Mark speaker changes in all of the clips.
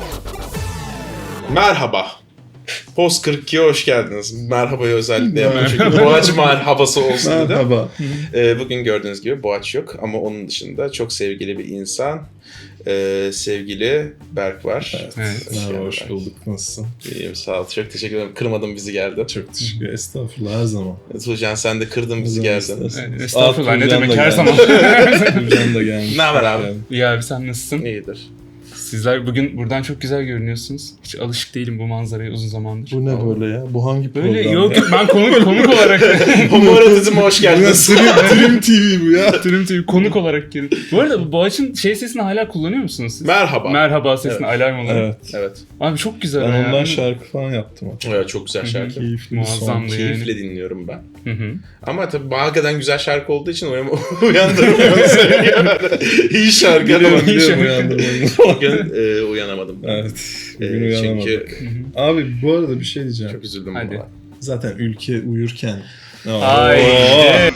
Speaker 1: Merhaba. Post 42'ye hoş geldiniz. Merhabayı özellikle yapıyorum çünkü Boğaç merhabası olsun dedim.
Speaker 2: Merhaba.
Speaker 1: Bugün gördüğünüz gibi Boğaç yok ama onun dışında çok sevgili bir insan. Sevgili Berk var.
Speaker 2: Evet. Merhaba, hoş bulduk. Nasılsın?
Speaker 1: İyiyim, sağ ol. Çok teşekkür ederim. Kırmadın bizi, geldin.
Speaker 2: Çok teşekkür ederim. Estağfurullah, her zaman.
Speaker 1: Tuğcan, sen de kırdın bizi, geldin.
Speaker 3: Estağfurullah, ne demek, her zaman.
Speaker 2: Tuğcan da gelmiş.
Speaker 1: Ne haber abi?
Speaker 3: İyi abi, sen nasılsın?
Speaker 1: İyidir.
Speaker 3: Sizler bugün buradan çok güzel görünüyorsunuz. Hiç alışık değilim bu manzaraya uzun zamandır.
Speaker 2: Bu ne böyle ya? Bu hangi program?
Speaker 3: Böyle yok ben konuk olarak.
Speaker 1: Homoratizme hoş geldiniz.
Speaker 2: Dream TV bu ya.
Speaker 3: Dream TV konuk olarak girdim. Bu arada Boğaç'ın sesini hala kullanıyor musunuz siz?
Speaker 1: Merhaba.
Speaker 3: Merhaba sesini alarm olarak.
Speaker 2: Evet.
Speaker 1: Evet.
Speaker 3: Abi çok güzel.
Speaker 2: Ben
Speaker 3: ya.
Speaker 2: ondan şarkı falan yaptım.
Speaker 1: Evet, çok güzel şarkı.
Speaker 2: Keyifli bir son.
Speaker 3: Muazzamdı yani.
Speaker 1: Keyifle dinliyorum ben.
Speaker 3: Hı.
Speaker 1: Ama tabii hakikaten güzel şarkı olduğu için uyandırmıyor seni. İyi şarkı ama
Speaker 2: Biliyorum uyandırmayı.
Speaker 1: bugün uyanamadım ben.
Speaker 2: Evet. Bugün uyanamadık.
Speaker 1: Çünkü
Speaker 2: Abi bu arada bir şey diyeceğim.
Speaker 1: çok üzüldüm
Speaker 3: Hadi.
Speaker 1: buna.
Speaker 2: Zaten ülke uyurken.
Speaker 3: Ay.
Speaker 4: Seyret,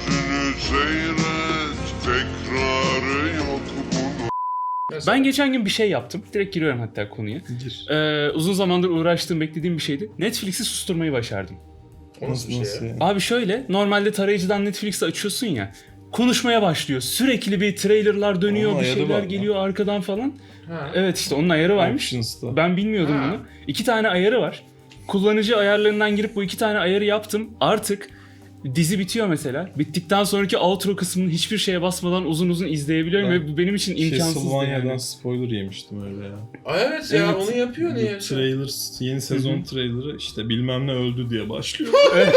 Speaker 4: tekrarı yok bunun.
Speaker 3: Ben geçen gün bir şey yaptım. Direkt giriyorum hatta konuya.
Speaker 2: Gir.
Speaker 3: Uzun zamandır uğraştığım, beklediğim bir şeydi. Netflix'i susturmayı başardım.
Speaker 1: O nasıl bir şey ya?
Speaker 2: ya?
Speaker 3: Abi şöyle, normalde tarayıcıdan Netflix'i açıyorsun ya, konuşmaya başlıyor. Sürekli bir trailerlar dönüyor,
Speaker 2: Onun
Speaker 3: bir
Speaker 2: ayarı
Speaker 3: şeyler
Speaker 2: var lan.
Speaker 3: geliyor arkadan falan.
Speaker 1: Ha.
Speaker 3: Evet, işte onun ayarı varmış.
Speaker 2: Options'ta.
Speaker 3: Ben bilmiyordum
Speaker 1: Ha.
Speaker 3: bunu. 2 tane ayarı var. Kullanıcı ayarlarından girip bu 2 tane ayarı yaptım. Artık dizi bitiyor mesela. Bittikten sonraki outro kısmını hiçbir şeye basmadan uzun uzun izleyebiliyorum
Speaker 2: Ben
Speaker 3: ve bu benim için imkansızdı
Speaker 2: Castlevania'dan
Speaker 3: yani.
Speaker 2: spoiler yemiştim öyle ya.
Speaker 1: Ay evet ya,
Speaker 3: Evet.
Speaker 1: onu yapıyor niye?
Speaker 2: Bu trailer, yeni sezon trailerı işte bilmem ne öldü diye başlıyor.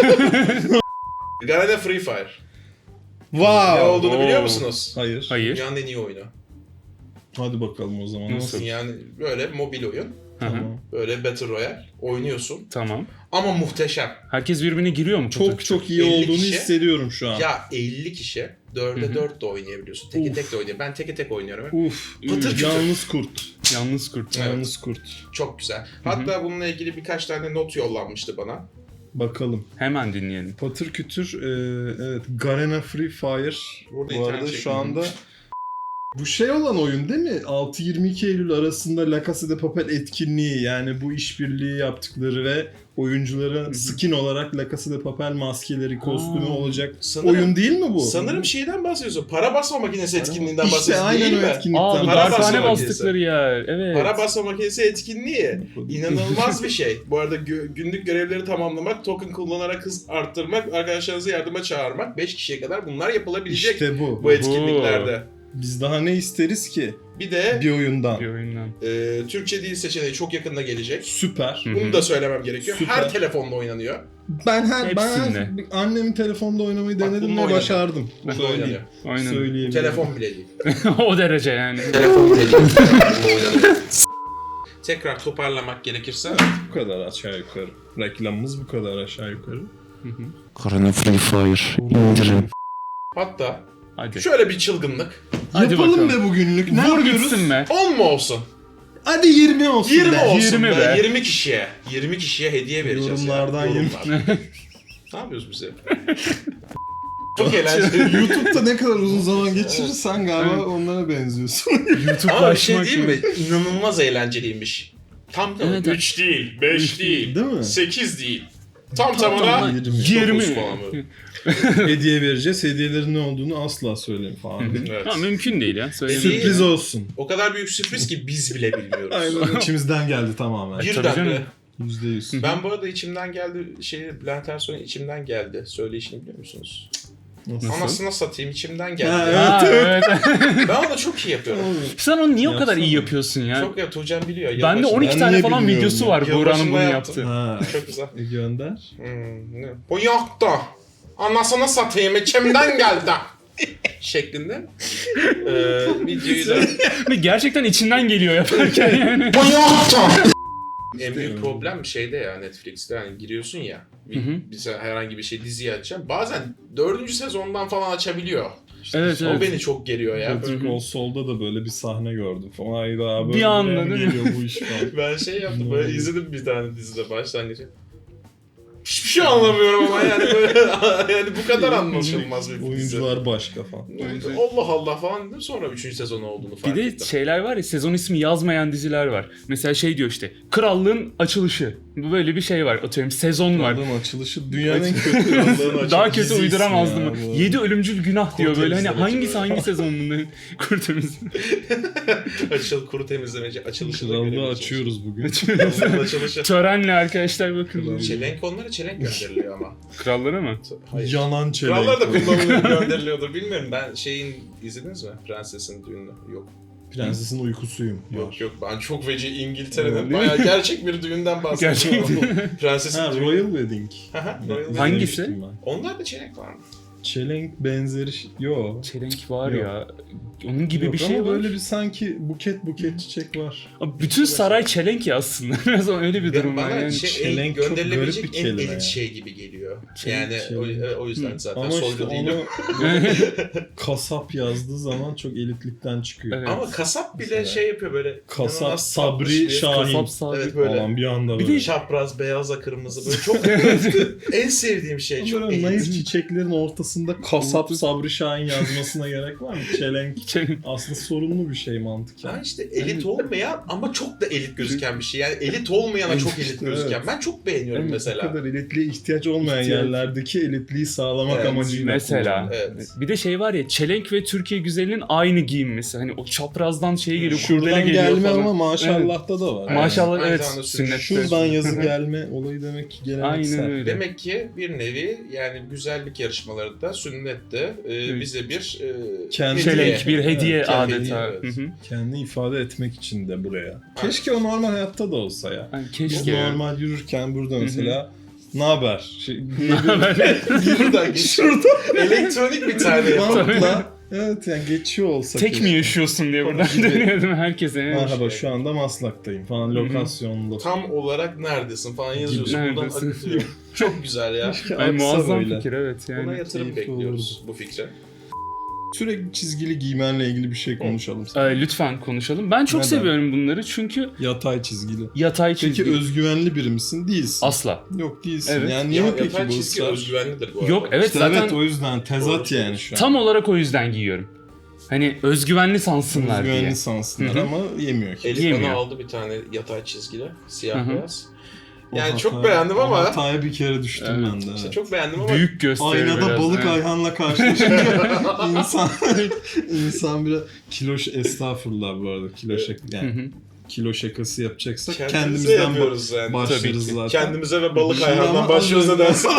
Speaker 1: Garena Free Fire.
Speaker 2: Wow.
Speaker 1: Ne olduğunu biliyor
Speaker 3: Oo.
Speaker 1: musunuz?
Speaker 2: Hayır.
Speaker 3: Hayır.
Speaker 1: Dünyanın en iyi oyunu.
Speaker 2: Hadi bakalım o zaman.
Speaker 3: Nasıl?
Speaker 1: Yani böyle mobil oyun.
Speaker 3: Hı hı.
Speaker 2: Tamam.
Speaker 1: Böyle Battle Royale oynuyorsun.
Speaker 3: Tamam.
Speaker 1: Ama muhteşem.
Speaker 3: Herkes birbirine giriyor mu?
Speaker 2: Çok çok iyi
Speaker 1: 50
Speaker 2: olduğunu
Speaker 1: kişi.
Speaker 2: hissediyorum şu an.
Speaker 1: Ya 50 kişi 4'e 4 de oynayabiliyorsun. Teke tek de oynayabiliyorsun. Ben teke tek oynuyorum.
Speaker 2: Uf.
Speaker 1: Pıtır kütür.
Speaker 2: Yalnız kurt.
Speaker 3: Yalnız kurt.
Speaker 1: Evet.
Speaker 2: Yalnız kurt.
Speaker 1: Çok güzel. Hatta bununla ilgili birkaç tane not yollanmıştı bana.
Speaker 2: Bakalım.
Speaker 3: Hemen dinleyelim.
Speaker 2: Patır kütür. Evet. Garena Free Fire.
Speaker 1: Burada
Speaker 2: Bu
Speaker 1: internet
Speaker 2: arada
Speaker 1: çekmiyor.
Speaker 2: şu anda bu şey olan oyun değil mi? 6-22 Eylül arasında La Casa de Papel etkinliği, yani bu işbirliği yaptıkları ve oyuncuların skin olarak La Casa de Papel maskeleri, kostümü olacak
Speaker 1: Sanırım-
Speaker 2: oyun değil mi bu?
Speaker 1: Sanırım şeyden bahsediyorsun. Para basma makinesi etkinliğinden
Speaker 2: İşte
Speaker 1: bahsediyorsun
Speaker 2: aynen
Speaker 1: değil
Speaker 2: o
Speaker 1: mi?
Speaker 2: etkinlikten.
Speaker 3: Aa, bu
Speaker 1: Para
Speaker 3: darphane
Speaker 1: basma
Speaker 3: bastıkları yer. Evet.
Speaker 1: Para basma makinesi etkinliği. İnanılmaz bir şey. Bu arada günlük görevleri tamamlamak, token kullanarak hız arttırmak, arkadaşlarınızı yardıma çağırmak, 5 kişiye kadar bunlar yapılabilecek
Speaker 2: İşte bu.
Speaker 1: bu etkinliklerde.
Speaker 2: Biz daha ne isteriz ki
Speaker 1: Bir de
Speaker 2: bir oyundan?
Speaker 3: Bir oyundan.
Speaker 1: Türkçe dil seçeneği çok yakında gelecek.
Speaker 2: Süper.
Speaker 3: Hı.
Speaker 1: Bunu da söylemem gerekiyor.
Speaker 2: Süper.
Speaker 1: Her telefonda oynanıyor.
Speaker 2: Ben
Speaker 3: Hepsinde.
Speaker 2: annemin telefonda oynamayı
Speaker 1: Bak,
Speaker 2: denedim
Speaker 1: bununla
Speaker 2: ve
Speaker 1: oynanıyor.
Speaker 2: başardım.
Speaker 1: Bunda
Speaker 2: Söyleyeyim.
Speaker 1: oynanıyor.
Speaker 3: Aynen.
Speaker 2: Söyleyeyim.
Speaker 1: Telefon bile değil.
Speaker 3: O derece yani.
Speaker 1: Telefon bile değil. Bunda oynanıyor. Tekrar toparlamak gerekirse
Speaker 2: Bu kadar aşağı yukarı. Reklamımız bu kadar aşağı yukarı.
Speaker 5: Garena Free Fire indirin.
Speaker 1: hatta
Speaker 3: Hadi.
Speaker 1: şöyle bir çılgınlık.
Speaker 3: Hadi
Speaker 2: Yapalım
Speaker 3: bakalım.
Speaker 2: be bugünlük. Ne
Speaker 3: Vur
Speaker 2: yapıyoruz?
Speaker 3: gitsin be.
Speaker 1: 10 mu olsun?
Speaker 2: Hadi 20 olsun
Speaker 1: 20
Speaker 2: be.
Speaker 1: olsun
Speaker 3: 20
Speaker 1: be.
Speaker 3: be.
Speaker 1: 20 kişiye. 20 kişiye hediye vereceğiz.
Speaker 2: Yorumlardan
Speaker 1: ya.
Speaker 2: 20.
Speaker 1: Ne yapıyoruz bize? Çok eğlenceli.
Speaker 2: YouTube'da ne kadar uzun zaman geçirirsen galiba onlara benziyorsun.
Speaker 1: Ama bir şey
Speaker 3: Başlamak
Speaker 1: diyeyim mi? İnanılmaz eğlenceliymiş. Tam tamına
Speaker 3: Evet.
Speaker 1: 3 değil, 5 değil,
Speaker 2: Değil mi?
Speaker 1: 8 değil. Tam
Speaker 2: tamına
Speaker 1: tamına
Speaker 2: 20.
Speaker 1: 9 falan böyle.
Speaker 2: Hediye vereceğiz. Hediyelerin ne olduğunu asla söyleyeyim falan.
Speaker 1: Evet.
Speaker 3: Ha, mümkün değil ya. Söyle.
Speaker 1: Sürpriz.
Speaker 2: Sürpriz olsun.
Speaker 1: O kadar büyük sürpriz ki biz bile bilmiyoruz.
Speaker 2: Aynen. İçimizden geldi tamamen.
Speaker 3: Tabii
Speaker 1: Birden
Speaker 3: canım.
Speaker 1: bile.
Speaker 2: %100.
Speaker 1: Ben bu arada içimden geldi, Bülent Ersoy'un içimden geldi söyleyişini biliyor musunuz?
Speaker 2: Nasıl?
Speaker 1: Anasına satayım, içimden geldi.
Speaker 2: Ha,
Speaker 3: Ha, evet.
Speaker 1: Ben onu çok iyi yapıyorum.
Speaker 3: Sen onu niye o kadar iyi
Speaker 2: Yapsana.
Speaker 3: yapıyorsun ya?
Speaker 1: Çok ya, Tuğcan biliyor.
Speaker 3: Bende
Speaker 1: Yılbaşında-
Speaker 3: 12
Speaker 2: Ben
Speaker 3: tane
Speaker 2: niye
Speaker 3: falan
Speaker 2: bilmiyorum
Speaker 3: videosu
Speaker 2: ya?
Speaker 3: var Buğra'nın
Speaker 1: Yılbaşında
Speaker 3: bunu
Speaker 1: yaptım.
Speaker 3: yaptığı.
Speaker 2: Ha.
Speaker 1: Çok güzel.
Speaker 2: Gönder.
Speaker 1: Ne? Bu yoktu. Anasını satayım, içimden geldi. Şeklinde. Videoyu da...
Speaker 3: Ve gerçekten içinden geliyor yaparken yani.
Speaker 1: Bu yoktu. En büyük problem şeyde ya, Netflix'te yani giriyorsun ya, bize herhangi bir şey diziyi açacağım. Bazen 4. sezondan falan açabiliyor.
Speaker 3: Evet,
Speaker 1: O
Speaker 3: evet.
Speaker 1: beni çok geriyor ya.
Speaker 2: Better Call Saul'da da böyle bir sahne gördüm falan. Hayda abi.
Speaker 3: Bir anda değil mi?
Speaker 2: geliyor bu iş falan.
Speaker 1: Ben şey yaptım, böyle izledim bir tane dizide başlangıcı. Hiçbir şey anlamıyorum ama yani böyle yani bu kadar anlaşılmaz bir dizi.
Speaker 2: Oyuncular başka falan.
Speaker 1: Allah Allah falan dedim, sonra 3. sezonu olduğunu fark
Speaker 3: Bir de
Speaker 1: ettim.
Speaker 3: şeyler var ya, sezon ismi yazmayan diziler var. Mesela şey diyor işte, Krallığın Açılışı. Böyle bir şey var. Atıyorum sezon var.
Speaker 2: Krallığın açılışı dünyanın en kötü Krallığın
Speaker 3: Daha kötü
Speaker 2: dizisi
Speaker 3: uyduramazdım.
Speaker 2: ya bu.
Speaker 3: 7 ölümcül günah diyor böyle. Hani
Speaker 1: temizlemeci
Speaker 3: hangisi
Speaker 1: böyle.
Speaker 3: hangi sezon bunların? Kurt
Speaker 1: Kuru temizlemeci açılışı da
Speaker 2: Krallığı
Speaker 1: görebileceğiz.
Speaker 2: açıyoruz bugün.
Speaker 1: Krallığın açılışı.
Speaker 3: Törenle arkadaşlar bakın.
Speaker 1: Çelenk, onlara çelenk gönderiliyor ama.
Speaker 3: Krallara mı?
Speaker 1: Hayır.
Speaker 2: Yanan çelenk.
Speaker 1: Krallar da kullanılıyor, gönderiliyordur bilmiyorum. Ben şeyin izlediniz mi? Prensesin düğünü. Yok.
Speaker 2: Prensesin uykusuyum.
Speaker 1: Yok yok, ben çok feci
Speaker 2: Öyle
Speaker 1: İngiltere'nin
Speaker 2: mi?
Speaker 1: bayağı gerçek bir düğünden bahsediyorum. Prensesin
Speaker 2: Ha,
Speaker 1: düğünü.
Speaker 2: Royal Wedding.
Speaker 1: Aha, Royal Wedding.
Speaker 3: Hangisi?
Speaker 2: İzlemiştim ben.
Speaker 1: Onlar da çelenk var mı?
Speaker 2: Çelenk benzeri yo.
Speaker 3: Çelenk var
Speaker 2: Yok.
Speaker 3: ya. Onun gibi
Speaker 2: Yok
Speaker 3: bir şey
Speaker 2: ama
Speaker 3: var.
Speaker 2: böyle bir sanki buket çiçek var.
Speaker 3: Abi bütün saray çelenk ya aslında. Biraz öyle bir durum var
Speaker 1: Bana
Speaker 3: yani.
Speaker 2: çelenk çok
Speaker 1: gönderilebilecek
Speaker 2: garip bir
Speaker 1: en
Speaker 2: kelime
Speaker 1: elit
Speaker 2: ya.
Speaker 1: şey gibi geliyor.
Speaker 3: Çelenk,
Speaker 1: Yani
Speaker 2: çelenk.
Speaker 1: o yüzden zaten
Speaker 2: Ama işte
Speaker 1: soylu değilim.
Speaker 2: onu kasap yazdığı zaman çok elitlikten çıkıyor.
Speaker 3: Evet.
Speaker 1: Ama kasap bile
Speaker 2: Mesela.
Speaker 1: şey yapıyor böyle.
Speaker 2: Kasap
Speaker 1: inanılmaz tatlış
Speaker 2: Sabri
Speaker 1: bir-
Speaker 2: Şahin
Speaker 3: Kasap Sabri.
Speaker 1: Evet böyle.
Speaker 2: falan bir anda
Speaker 3: Bir
Speaker 2: böyle.
Speaker 3: de-
Speaker 1: Çapraz, beyaza, kırmızı böyle çok en sevdiğim şey. Çok
Speaker 2: Böyle
Speaker 1: elit.
Speaker 2: naif çiçeklerin ortasında kasap Sabri Şahin yazmasına gerek var mı? Çelenk
Speaker 3: Çelenk.
Speaker 2: aslında sorunlu bir şey mantıken.
Speaker 1: Ben işte elit olmayan ama çok da elit gözüken bir şey. Yani elit olmayana çok elit gözüken.
Speaker 2: Evet.
Speaker 1: Ben çok beğeniyorum
Speaker 2: Bu
Speaker 1: mesela.
Speaker 2: kadar elitliğe ihtiyaç olmayan
Speaker 3: İhtiyaç.
Speaker 2: yerlerdeki elitliği sağlamak
Speaker 1: Evet,
Speaker 2: amacıyla
Speaker 3: Mesela.
Speaker 2: kullanılıyor.
Speaker 1: Evet.
Speaker 3: Bir de şey var ya, çelenk ve Türkiye güzelinin aynı giyinmesi. Hani o çaprazdan şey geliyor, kurdele
Speaker 2: Şuradan
Speaker 3: geliyor
Speaker 2: gelme
Speaker 3: falan.
Speaker 2: ama maşallah'ta da var.
Speaker 1: Evet.
Speaker 3: Maşallah
Speaker 1: Aynı
Speaker 3: evet,
Speaker 1: zamanda
Speaker 3: sünnette.
Speaker 2: Şuradan yazı gelme olayı demek ki geleneksel.
Speaker 3: Aynen öyle.
Speaker 1: Demek ki bir nevi yani güzellik yarışmaları da sünnette bize bir
Speaker 2: Kendi
Speaker 3: Çelenk bir hediye
Speaker 2: Evet,
Speaker 3: adeta.
Speaker 1: hediye, evet.
Speaker 3: Hı hı.
Speaker 2: Kendini ifade etmek için de buraya. Keşke o normal hayatta da olsa ya.
Speaker 3: Yani
Speaker 2: Biz
Speaker 3: keşke.
Speaker 2: normal yürürken burada mesela ne haber?
Speaker 1: Buradan geçiyor. Elektronik bir tane yapalım.
Speaker 2: Bantla evet yani geçiyor olsa
Speaker 3: Tek
Speaker 2: keşke.
Speaker 3: mi yaşıyorsun diye buradan
Speaker 2: Gibi.
Speaker 3: dönüyordum herkese.
Speaker 2: Merhaba şu anda Maslak'tayım falan
Speaker 3: Hı hı.
Speaker 2: lokasyonda.
Speaker 1: Tam olarak neredesin falan yazıyorsun.
Speaker 3: Neredesin?
Speaker 1: Buradan akıtıyor. Çok güzel ya.
Speaker 2: Keşke
Speaker 3: Ay,
Speaker 2: aksa
Speaker 3: muazzam
Speaker 2: böyle.
Speaker 3: fikir evet
Speaker 1: Buna
Speaker 3: yani.
Speaker 1: yatırım
Speaker 2: keyifli
Speaker 1: bekliyoruz bu fikre.
Speaker 2: Sürekli çizgili giymenle ilgili bir şey konuşalım.
Speaker 3: Lütfen konuşalım. Ben çok
Speaker 2: Neden?
Speaker 3: seviyorum bunları çünkü
Speaker 2: Yatay çizgili.
Speaker 3: yatay
Speaker 2: Peki
Speaker 3: çizgi.
Speaker 2: özgüvenli biri misin? Değilsin.
Speaker 3: Asla.
Speaker 2: Yok değilsin.
Speaker 3: Evet.
Speaker 2: Yani niye
Speaker 1: Ya,
Speaker 2: peki
Speaker 1: yatay
Speaker 2: bu
Speaker 1: çizgi
Speaker 2: ısrar?
Speaker 1: özgüvenlidir bu arada.
Speaker 3: Yok evet
Speaker 2: İşte
Speaker 3: zaten
Speaker 2: evet o yüzden tezat
Speaker 1: Doğru.
Speaker 2: yani şu an.
Speaker 3: tam olarak o yüzden giyiyorum. Hani özgüvenli sansınlar diye.
Speaker 2: Özgüvenli sansınlar
Speaker 3: Hı hı.
Speaker 2: ama yemiyor ki.
Speaker 1: Elif
Speaker 3: Yemiyor.
Speaker 1: bana aldı bir tane yatay çizgili. Siyah
Speaker 3: Hı hı.
Speaker 1: beyaz.
Speaker 2: O
Speaker 1: Yani
Speaker 2: hata-
Speaker 1: çok beğendim
Speaker 2: o
Speaker 1: ama
Speaker 2: hataya bir kere düştüm
Speaker 3: Evet.
Speaker 2: ben de.
Speaker 1: işte çok beğendim ama
Speaker 3: Büyük gösteriyor
Speaker 2: Aynada
Speaker 3: biraz.
Speaker 2: balık
Speaker 3: evet.
Speaker 2: Ayhan'la karşılaşınca insan biraz estağfurullah bu arada kilo şaka
Speaker 3: Hı
Speaker 2: yani
Speaker 3: hı.
Speaker 2: kilo şakası yapacaksak
Speaker 1: kendimize
Speaker 2: kendimizden
Speaker 1: yapıyoruz yani.
Speaker 2: başlarız
Speaker 3: Tabii ki.
Speaker 2: zaten.
Speaker 1: Kendimize ve balık
Speaker 2: Şimdi
Speaker 1: ayağından
Speaker 2: ama
Speaker 1: başlıyoruz
Speaker 2: az
Speaker 1: nedense.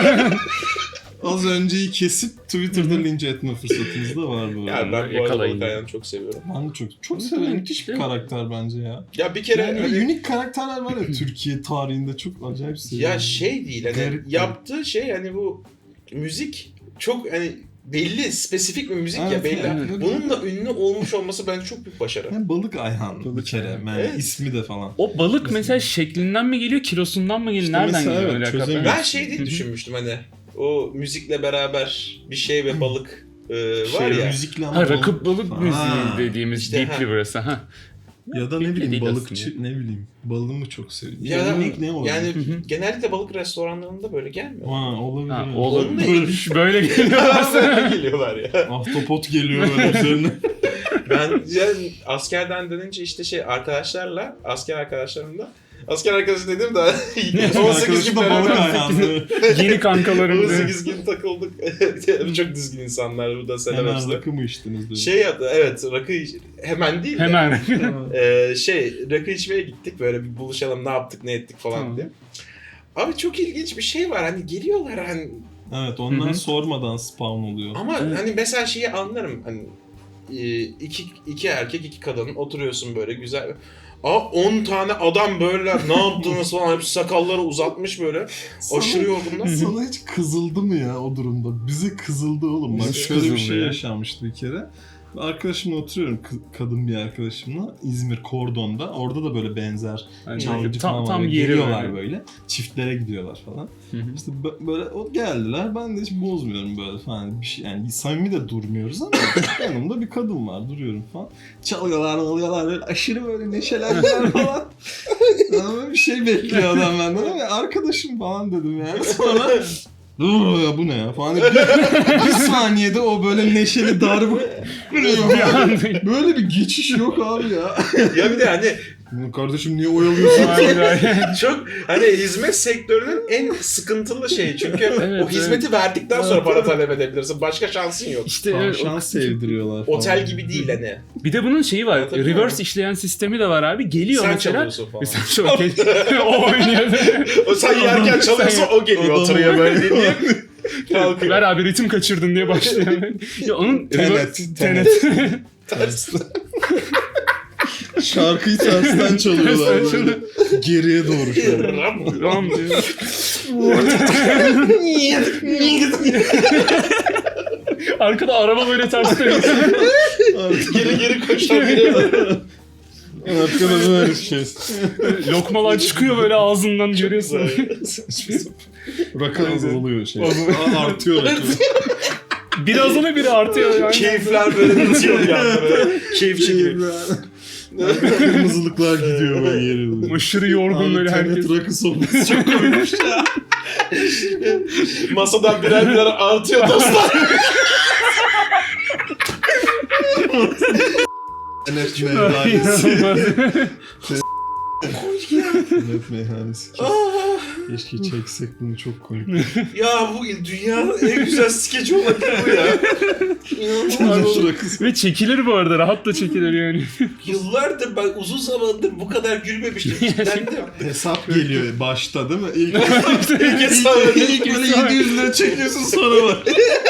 Speaker 2: Az önceyi kesip Twitter'da linç etme fırsatımız da var bu arada.
Speaker 1: Yani ben bu arada
Speaker 3: Yakalayın.
Speaker 1: balık ayağını çok seviyorum.
Speaker 2: Ben de çok severim. Müthiş bir karakter bence ya.
Speaker 1: Ya bir kere
Speaker 2: Yani
Speaker 1: hani-
Speaker 2: unik karakterler var ya Türkiye tarihinde çok acayip seviyorum.
Speaker 1: ya şey değil hani
Speaker 2: Garip
Speaker 1: yaptığı şey hani bu müzik çok hani belli spesifik bir müzik ya
Speaker 2: Evet,
Speaker 1: belli.
Speaker 2: evet.
Speaker 1: Bununla ünlü olmuş olması bence çok büyük başarı.
Speaker 2: Yani balık Ayhan bir kere. Yani
Speaker 1: Evet.
Speaker 2: ismi de falan.
Speaker 3: O balık mesela şeklinden mi geliyor, kilosundan mı geliyor?
Speaker 2: İşte
Speaker 3: Nereden
Speaker 2: mesela
Speaker 3: geliyor?
Speaker 2: evet,
Speaker 3: Öyle hakikaten?
Speaker 2: çözemiyorum.
Speaker 1: Ben şey diye
Speaker 3: Hı hı.
Speaker 1: düşünmüştüm hani o müzikle beraber bir şey ve balık var ya.
Speaker 2: Müzikle ama
Speaker 3: Ha, rakıp balık
Speaker 2: Ha.
Speaker 3: müziği dediğimiz
Speaker 1: İşte,
Speaker 3: deep
Speaker 1: ha.
Speaker 3: burası. Ha.
Speaker 2: Ya da ne
Speaker 3: Belli
Speaker 2: bileyim
Speaker 3: değil
Speaker 2: balıkçı
Speaker 3: aslında.
Speaker 2: ne bileyim balığımı çok seviyorum.
Speaker 1: Ya da
Speaker 2: Unik ne olabilir?
Speaker 1: yani
Speaker 3: Hı hı.
Speaker 1: genellikle balık restoranlarında böyle gelmiyor.
Speaker 2: Ha, olabilir.
Speaker 3: Ha,
Speaker 2: evet.
Speaker 3: olabilir. Böyle geliyorlar sana.
Speaker 1: Böyle geliyorlar ya.
Speaker 2: Ahtapot geliyor böyle üzerine.
Speaker 1: Ben yani askerden dönünce işte şey arkadaşlarla, asker arkadaşlarımla asker arkadaşı dedim de 18 gün
Speaker 2: Arkadaşım da balık
Speaker 1: beraber
Speaker 2: ayağını.
Speaker 3: Yeni kankalarım.
Speaker 1: 18 gün takıldık. Çok düzgün insanlar bu da selam
Speaker 2: Hemen
Speaker 1: hepsi.
Speaker 2: rakı mı içtiniz dedi.
Speaker 1: Şey yaptı evet rakı hemen değil de
Speaker 3: Hemen.
Speaker 1: rakı içmeye gittik böyle bir buluşalım ne yaptık ne ettik falan
Speaker 3: Tamam.
Speaker 1: diye. Abi çok ilginç bir şey var hani geliyorlar hani
Speaker 2: Evet ondan
Speaker 3: Hı hı.
Speaker 2: sormadan spawn oluyor.
Speaker 1: ama
Speaker 3: Evet.
Speaker 1: hani mesela şeyi anlarım hani iki erkek iki kadın oturuyorsun böyle güzel. 10 tane adam böyle ne yaptınız falan hepsi sakalları uzatmış böyle aşırı yorgunlar.
Speaker 2: Sana hiç kızıldı mı ya o durumda? Bize kızıldı oğlum. Bak
Speaker 3: Bize
Speaker 2: şöyle bir
Speaker 3: kızıldı
Speaker 2: şey
Speaker 3: ya.
Speaker 2: yaşanmıştı bir kere. Arkadaşımla oturuyorum, kadın bir arkadaşımla İzmir Kordon'da. Orada da böyle benzer
Speaker 3: Yani
Speaker 2: çalgıcı falan
Speaker 3: tam
Speaker 2: var.
Speaker 3: yeri
Speaker 2: Geliyorlar
Speaker 3: öyle.
Speaker 2: böyle. Çiftlere gidiyorlar falan.
Speaker 3: Hı hı.
Speaker 2: İşte böyle o geldiler. Ben de hiç bozmuyorum böyle falan. Bir şey, yani samimi de durmuyoruz ama yanımda bir kadın var. Duruyorum falan. Çalıyorlar, alıyorlar böyle aşırı böyle neşelendiler falan. Ama bir şey bekliyor adam benden ama arkadaşım falan dedim yani. Sonra dur ya bu ne ya falan. Bir saniyede o böyle neşeli darbe. Böyle bir geçiş yok abi ya.
Speaker 1: Ya bir de hani
Speaker 2: Kardeşim niye oyalıyorsun?
Speaker 1: çok hani hizmet sektörünün en sıkıntılı şeyi. Çünkü
Speaker 3: Evet,
Speaker 1: o hizmeti verdikten sonra
Speaker 2: Evet,
Speaker 1: para
Speaker 2: evet.
Speaker 1: talep edebilirsin. Başka şansın yok.
Speaker 3: İşte
Speaker 2: Tamam,
Speaker 3: evet,
Speaker 2: şans sevdiriyorlar falan.
Speaker 1: Otel gibi değil hani.
Speaker 3: bir de bunun şeyi var.
Speaker 1: Anlatabiliyor
Speaker 3: Reverse
Speaker 1: muyum?
Speaker 3: işleyen sistemi de var abi. Geliyor
Speaker 1: Sen
Speaker 3: mesela.
Speaker 1: çalıyorsun falan.
Speaker 3: Sen çok o oynuyor.
Speaker 1: O sen yerken çalıyorsa o geliyor
Speaker 2: Adam-
Speaker 1: oturuyor böyle dinliyor. Kalkıyor.
Speaker 3: Ver abi ritim kaçırdın diye başlıyor. Ya onun
Speaker 2: Tenet.
Speaker 1: Ters.
Speaker 2: Şarkıyı tersten çalıyorlar böyle. Geriye doğru şöyle.
Speaker 3: Ram diyor. Arkada araba böyle ters dönüyor.
Speaker 1: Geri geri koşan biri var.
Speaker 2: Arkada böyle şey.
Speaker 3: Lokmalar çıkıyor böyle ağzından görüyorsun.
Speaker 2: Rakı azalıyor şey.
Speaker 3: Azalıyor.
Speaker 2: Artıyor rakı.
Speaker 3: Biri azalıyor biri artıyor. Yani.
Speaker 1: Keyifler böyle bitiyor bir anda böyle. Keyif çekiyor.
Speaker 2: Kırmızılıklar gidiyor böyle yere.
Speaker 3: Aşırı yorgun böyle herkes.
Speaker 2: Tenet rakı sohbeti çok koymuş ya.
Speaker 1: Masadan birer birer artıyor dostlar.
Speaker 2: Tenet meyhanesi. Tenet meyhanesi. Keşke çeksek bunu, çok komik.
Speaker 1: Ya bu dünyanın en güzel skeci olabilir bu ya. İnanılmaz.
Speaker 2: Tenet rakısı.
Speaker 3: Ve çekilir bu arada. Rahat da çekilir yani.
Speaker 1: Yıllardır ben uzun zamandır bu kadar gülmemiştim. Kitlendim.
Speaker 2: Hesap geliyor başta değil mi? İlk
Speaker 1: İlk
Speaker 2: böyle 700 lira çekiyorsun sonra var.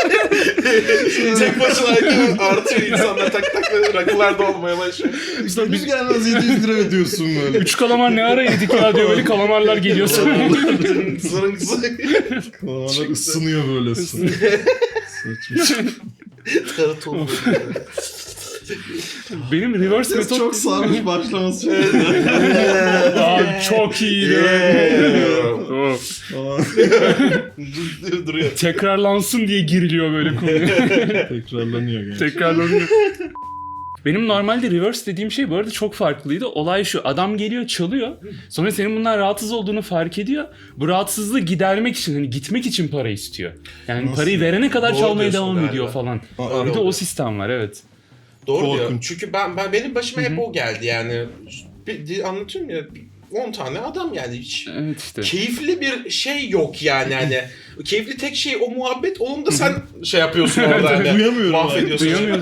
Speaker 1: tek başına artıyor insanlar tak tak böyle rakılar da olmaya başlıyor.
Speaker 2: İşte biz gelmez 700 lira ödüyorsun böyle.
Speaker 3: 3 kalamar ne ara yedik ya diyor böyle kalamarlar geliyor sonra.
Speaker 1: Zırın zırın.
Speaker 2: Kalanlar ısınıyor böyle. Saçma.
Speaker 1: Tarıt oldu.
Speaker 3: Benim reverse
Speaker 2: Ses
Speaker 3: metot...
Speaker 2: çok sarmış başlaması çok
Speaker 3: Abi çok iyiydi. Oh.
Speaker 2: Falan.
Speaker 1: Duruyor.
Speaker 3: Tekrarlansın diye giriliyor böyle konuya.
Speaker 2: Tekrarlanıyor gerçekten.
Speaker 3: Tekrarlanıyor. Benim normalde reverse dediğim şey bu arada çok farklıydı. Olay şu: adam geliyor çalıyor. Sonra senin bundan rahatsız olduğunu fark ediyor. Bu rahatsızlığı gidermek için, hani gitmek için para istiyor. Yani
Speaker 2: Nasıl?
Speaker 3: parayı verene kadar
Speaker 1: Doğru
Speaker 3: çalmaya
Speaker 1: diyorsun
Speaker 3: devam
Speaker 1: galiba.
Speaker 3: ediyor falan.
Speaker 2: Aa,
Speaker 3: Bir de o
Speaker 1: oluyor.
Speaker 3: sistem var, evet.
Speaker 1: Doğru diyor.
Speaker 2: Korkunç.
Speaker 1: Çünkü benim başıma hep o geldi yani. Anlatıyorum ya 10 tane adam yani hiç.
Speaker 3: Evet işte.
Speaker 1: Keyifli bir şey yok yani hani. Keyifli tek şey o muhabbet. Onun da sen şey yapıyorsun orada hani.
Speaker 2: Duyamıyorum
Speaker 1: Mahvediyorsun.
Speaker 3: Duyamıyorum.